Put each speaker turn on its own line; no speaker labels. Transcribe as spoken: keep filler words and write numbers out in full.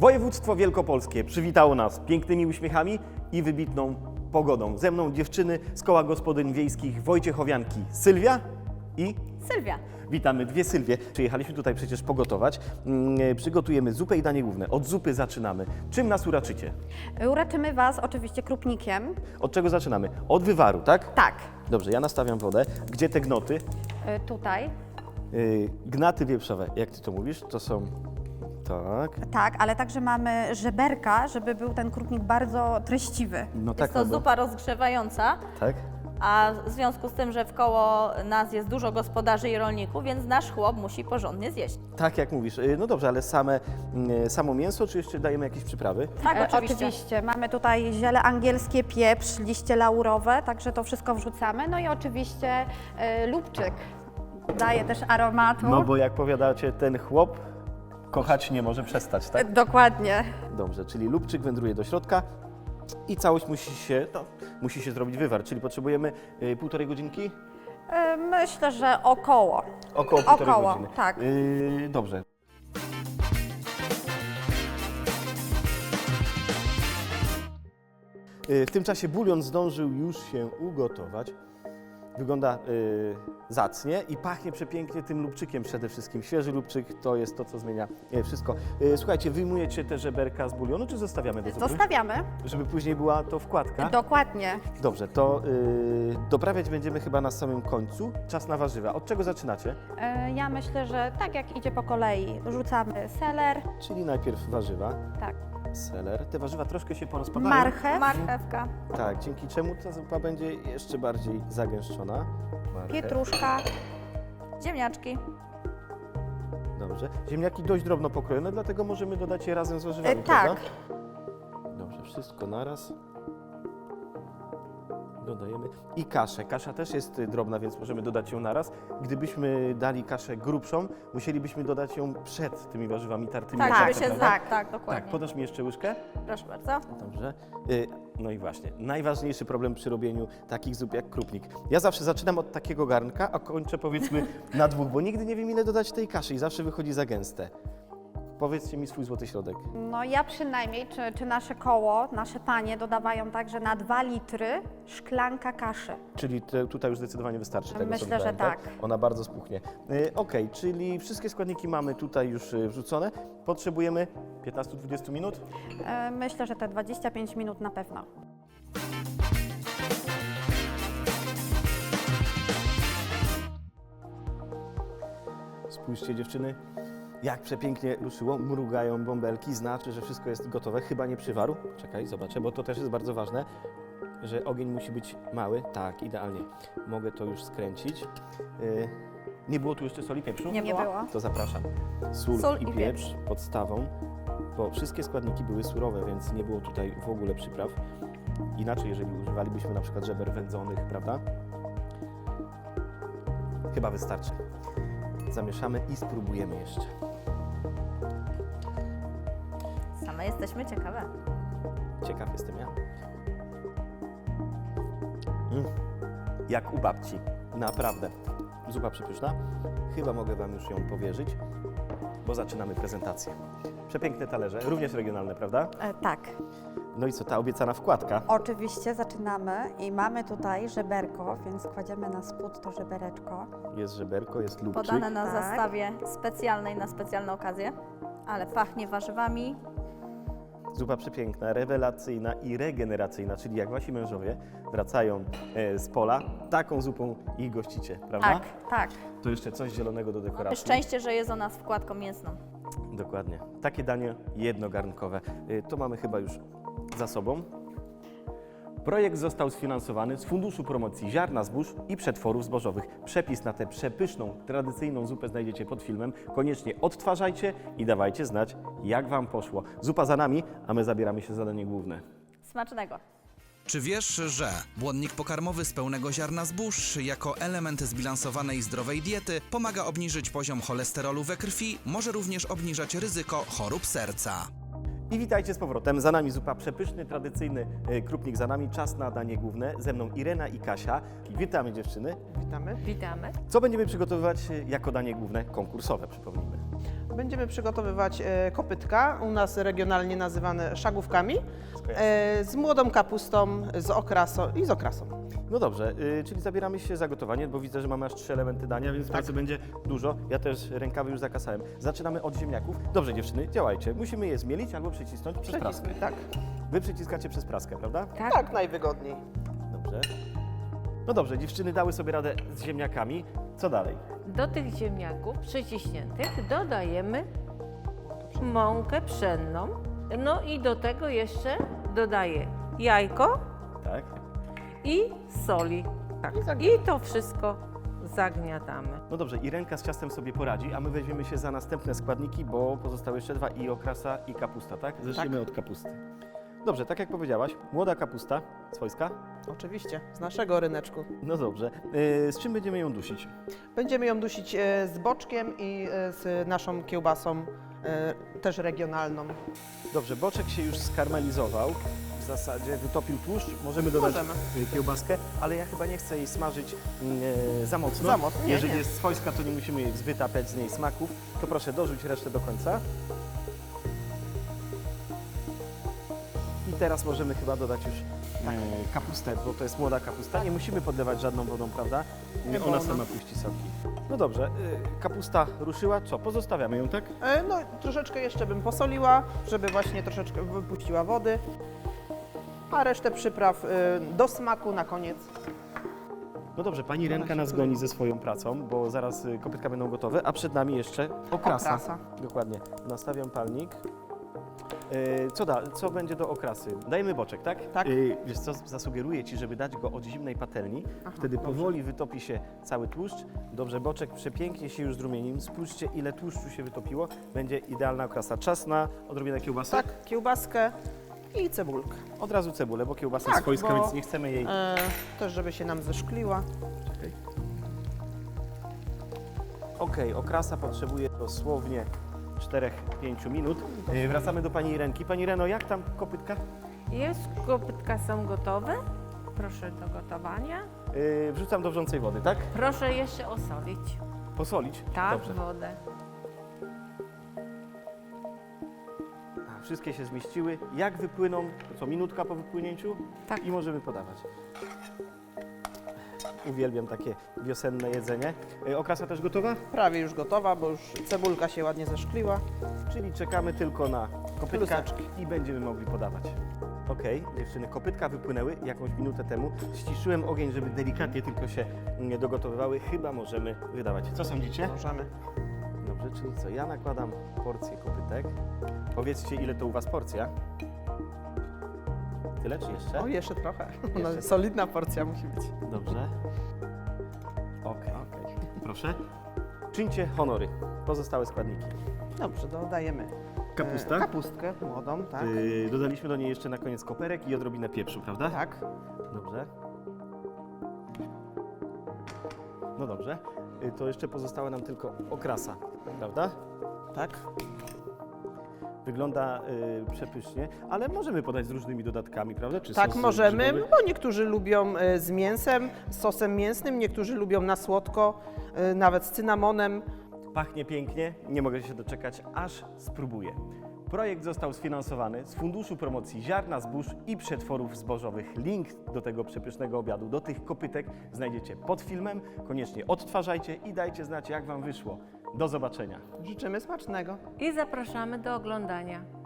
Województwo wielkopolskie przywitało nas pięknymi uśmiechami i wybitną pogodą. Ze mną dziewczyny z Koła Gospodyń Wiejskich Wojciechowianki Sylwia i
Sylwia.
witamy dwie Sylwie. Przyjechaliśmy tutaj przecież pogotować. Mm, Przygotujemy zupę i danie główne. Od zupy zaczynamy. Czym nas uraczycie?
Uraczymy Was oczywiście krupnikiem.
Od czego zaczynamy? Od wywaru, tak?
Tak,
Dobrze, ja nastawiam wodę. Gdzie te gnoty?
y, tutaj.
Yy, gnaty wieprzowe. Jak ty to mówisz? To są... Tak.
Tak, ale także mamy żeberka, żeby był ten krupnik bardzo treściwy.
No tak,
Jest to
no bo-
zupa rozgrzewająca,
Tak?
a w związku z tym, że wkoło nas jest dużo gospodarzy i rolników, więc nasz chłop musi porządnie zjeść.
Tak jak mówisz. Yy, No dobrze, ale same, yy, samo mięso, czy jeszcze dajemy jakieś przyprawy?
Tak,
E,
oczywiście.
oczywiście. Mamy tutaj ziele angielskie, pieprz, liście laurowe, także to wszystko wrzucamy. No i oczywiście e, lubczyk daje też aromatu.
No bo jak powiadacie, ten chłop kochać nie może przestać,
E,
tak?
Dokładnie.
Dobrze, czyli lubczyk wędruje do środka i całość musi się, no, musi się zrobić wywar, czyli potrzebujemy yy, półtorej godzinki?
E, Myślę, że około.
Około półtorej
Około,
godziny.
tak.
Yy, dobrze. Yy, W tym czasie bulion zdążył już się ugotować. Wygląda yy, zacnie i pachnie przepięknie tym lubczykiem przede wszystkim. Świeży lubczyk to jest to, co zmienia yy, wszystko. Yy, słuchajcie, wyjmujecie te żeberka z bulionu, czy zostawiamy do zupy?
Zostawiamy.
Żeby później była to wkładka?
Dokładnie.
Dobrze, to yy, doprawiać będziemy chyba na samym końcu. Czas na warzywa. Od czego zaczynacie?
E, Ja myślę, że tak jak idzie po kolei, rzucamy seler,
Czyli najpierw warzywa,
tak,
seler. Te warzywa troszkę się porozpadają.
marchew,
Marchewka.
Tak, dzięki czemu ta zupa będzie jeszcze bardziej zagęszczona. Marchew.
pietruszka.
Ziemniaczki.
Dobrze. Ziemniaki dość drobno pokrojone, dlatego możemy dodać je razem z warzywami,
E, tak.
prawda? Dobrze, wszystko naraz. Dodajemy. I kaszę. Kasza też jest y, drobna, więc możemy dodać ją naraz. Gdybyśmy dali kaszę grubszą, musielibyśmy dodać ją przed tymi warzywami tartymi.
Tak,
jak
żeby
to,
się
prawda?
tak, tak,
Tak,
dokładnie.
podasz mi jeszcze łyżkę?
Proszę bardzo.
Dobrze. Y, No i właśnie, najważniejszy problem przy robieniu takich zup jak krupnik. Ja zawsze zaczynam od takiego garnka, a kończę powiedzmy na dwóch, bo nigdy nie wiem ile dodać tej kaszy i zawsze wychodzi za gęste. Powiedzcie mi swój złoty środek.
No ja przynajmniej, czy, czy nasze koło, nasze panie dodawają tak, że na dwa litry szklanka kaszy.
Czyli te, tutaj już zdecydowanie wystarczy tego, co
Myślę,
dodałem,
że tak.
Ona bardzo spuchnie. Y, Okej, czyli wszystkie składniki mamy tutaj już y, wrzucone. Potrzebujemy piętnaście do dwudziestu minut.
E, Myślę, że te dwadzieścia pięć minut na pewno.
Spójrzcie dziewczyny, jak przepięknie ruszyło, mrugają bąbelki, znaczy, że wszystko jest gotowe, chyba nie przywarł. Czekaj, zobaczę, bo to też jest bardzo ważne, że ogień musi być mały. Tak, idealnie. Mogę to już skręcić. Yy, nie było tu jeszcze soli, pieprzu?
Nie
Nie
było.
było.
To zapraszam. Sól,
Sól
i
i
pieprz podstawą, bo wszystkie składniki były surowe, więc nie było tutaj w ogóle przypraw. Inaczej, jeżeli używalibyśmy na przykład żeber wędzonych, prawda? Chyba wystarczy. Zamieszamy i spróbujemy jeszcze.
Same jesteśmy ciekawe.
Ciekaw jestem ja. Mm. Jak u babci. Naprawdę. Zupa przepyszna. Chyba mogę Wam już ją powierzyć, bo zaczynamy prezentację. Przepiękne talerze, również regionalne, prawda?
E, Tak.
No i co, ta obiecana wkładka?
Oczywiście zaczynamy i mamy tutaj żeberko, więc kładziemy na spód to żebereczko.
Jest żeberko, jest lubczyk.
Podane na
Tak.
zastawie specjalnej na specjalne okazje, ale pachnie warzywami.
Zupa przepiękna, rewelacyjna i regeneracyjna, czyli jak Wasi mężowie wracają e, z pola, taką zupą ich gościcie, prawda?
Tak, tak.
To jeszcze coś zielonego do dekoracji.
Szczęście, że jest o nas wkładką mięsną.
Dokładnie. Takie danie jednogarnkowe. Y, To mamy chyba już za sobą. Projekt został sfinansowany z Funduszu Promocji Ziarna Zbóż i Przetworów Zbożowych. Przepis na tę przepyszną, tradycyjną zupę znajdziecie pod filmem. Koniecznie odtwarzajcie i dawajcie znać, jak Wam poszło. Zupa za nami, a my zabieramy się za danie główne.
Smacznego.
Czy wiesz, że błonnik pokarmowy z pełnego ziarna zbóż jako element zbilansowanej zdrowej diety pomaga obniżyć poziom cholesterolu we krwi, może również obniżać ryzyko chorób serca?
I witajcie z powrotem. Za nami zupa przepyszny, tradycyjny e, krupnik za nami. Czas na danie główne. Ze mną Irena i Kasia. Witamy dziewczyny.
Witamy.
Witamy.
Co będziemy przygotowywać e, jako danie główne konkursowe, przypomnijmy.
Będziemy przygotowywać e, kopytka, u nas regionalnie nazywane szagówkami, e, z młodą kapustą, z okrasą i z okrasą.
No dobrze, y, czyli zabieramy się za gotowanie, bo widzę, że mamy aż trzy elementy dania, więc pracy będzie dużo. Ja też rękawy już zakasałem. Zaczynamy od ziemniaków. Dobrze dziewczyny, działajcie. Musimy je zmielić albo przycisnąć przez praskę.
Przycisk, tak.
Wy przyciskacie przez praskę, prawda?
Tak.
Tak, najwygodniej.
Dobrze. No dobrze, dziewczyny dały sobie radę z ziemniakami. Co dalej?
Do tych ziemniaków przyciśniętych dodajemy mąkę pszenną. No i do tego jeszcze dodaję jajko
Tak.
i soli. Tak.
I zagniatamy.
I to wszystko zagniatamy.
No dobrze, i ręka z ciastem sobie poradzi, a my weźmiemy się za następne składniki, bo pozostały jeszcze dwa, i okrasa, i kapusta, tak? Zaczniemy od kapusty. Dobrze, tak jak powiedziałaś, młoda kapusta swojska.
Oczywiście, z naszego ryneczku.
No dobrze. Yy, z czym będziemy ją dusić?
Będziemy ją dusić e, z boczkiem i e, z naszą kiełbasą, e, też regionalną.
Dobrze, boczek się już skarmelizował. W zasadzie wytopił tłuszcz. Możemy dodać
Możemy.
y, kiełbaskę, ale ja chyba nie chcę jej smażyć y, za mocno.
Za mocno, nie,
Jeżeli
nie.
jest swojska, to nie musimy jej wytapiać z niej smaków. To proszę dorzuć resztę do końca. I teraz możemy chyba dodać już
Tak.
y, kapustę, bo to jest młoda kapusta. Nie musimy podlewać żadną wodą, prawda?
Nie
Ona
wolno.
sama puści soki. No dobrze, y, kapusta ruszyła. Co? Pozostawiamy ją, tak?
E, no, troszeczkę jeszcze bym posoliła, żeby właśnie troszeczkę wypuściła wody. A resztę przypraw e, do smaku na koniec.
No dobrze, pani Renka
się
nas
czuje.
goni ze swoją pracą, bo zaraz y, kopytka będą gotowe, a przed nami jeszcze okrasa.
Okrasa.
Dokładnie. Nastawiam palnik. Y, co, da, co będzie do okrasy? Dajemy boczek, tak?
Tak.
Y, wiesz co, zasugeruję Ci, żeby dać go od zimnej patelni.
Aha,
Wtedy
dobrze.
powoli wytopi się cały tłuszcz. Dobrze, boczek przepięknie się już zrumienił. Spójrzcie, ile tłuszczu się wytopiło. Będzie idealna okrasa. Czas na odrobinę kiełbasy.
Tak, kiełbaskę i cebulkę.
Od razu cebulę, bo kiełbasa
Tak,
jest swojska,
bo-
więc nie chcemy jej...
E, też żeby się nam zeszkliła.
Okej, okrasa potrzebuje dosłownie cztery do pięciu minut. Yy, Wracamy do pani Renki. Pani Reno, jak tam kopytka?
Jest, kopytka są gotowe. Proszę do gotowania.
Yy, Wrzucam do wrzącej wody, tak?
Proszę jeszcze osolić.
Posolić?
Tak,
Dobrze.
wodę.
A, wszystkie się zmieściły. Jak wypłyną? To co, minutka po wypłynięciu?
Tak.
I możemy podawać. Uwielbiam takie wiosenne jedzenie. Yy, Okrasa też gotowa?
Prawie już gotowa, bo już cebulka się ładnie zeszkliła.
Czyli czekamy tylko na kopytka
Kluseczki.
i będziemy mogli podawać. Okej, dziewczyny, kopytka wypłynęły jakąś minutę temu. Ściszyłem ogień, żeby delikatnie tylko się mm, dogotowywały. Chyba możemy wydawać. Co sądzicie?
Możemy.
Dobrze, czyli co? Ja nakładam porcję kopytek. Powiedzcie, ile to u Was porcja? Tyle czy jeszcze?
O, jeszcze trochę.
Jeszcze
No,
trochę.
solidna porcja musi być.
Dobrze. Okej, okej. Proszę. Czyńcie honory. Pozostałe składniki.
Dobrze, dodajemy
Kapusta?
e, kapustkę młodą, tak.
Yy, dodaliśmy do niej jeszcze na koniec koperek i odrobinę pieprzu, prawda?
Tak.
Dobrze. No dobrze. Y, To jeszcze pozostała nam tylko okrasa, prawda?
Tak.
Wygląda y, przepysznie, ale możemy podać z różnymi dodatkami, prawda? Czy
Tak,
sos
możemy,
grzybowy?
bo niektórzy lubią e, z mięsem, z sosem mięsnym, niektórzy lubią na słodko, e, nawet z cynamonem.
Pachnie pięknie, nie mogę się doczekać, aż spróbuję. Projekt został sfinansowany z Funduszu Promocji Ziarna Zbóż i Przetworów Zbożowych. Link do tego przepysznego obiadu, do tych kopytek znajdziecie pod filmem. Koniecznie odtwarzajcie i dajcie znać, jak Wam wyszło. Do zobaczenia.
Życzymy smacznego.
I zapraszamy do oglądania.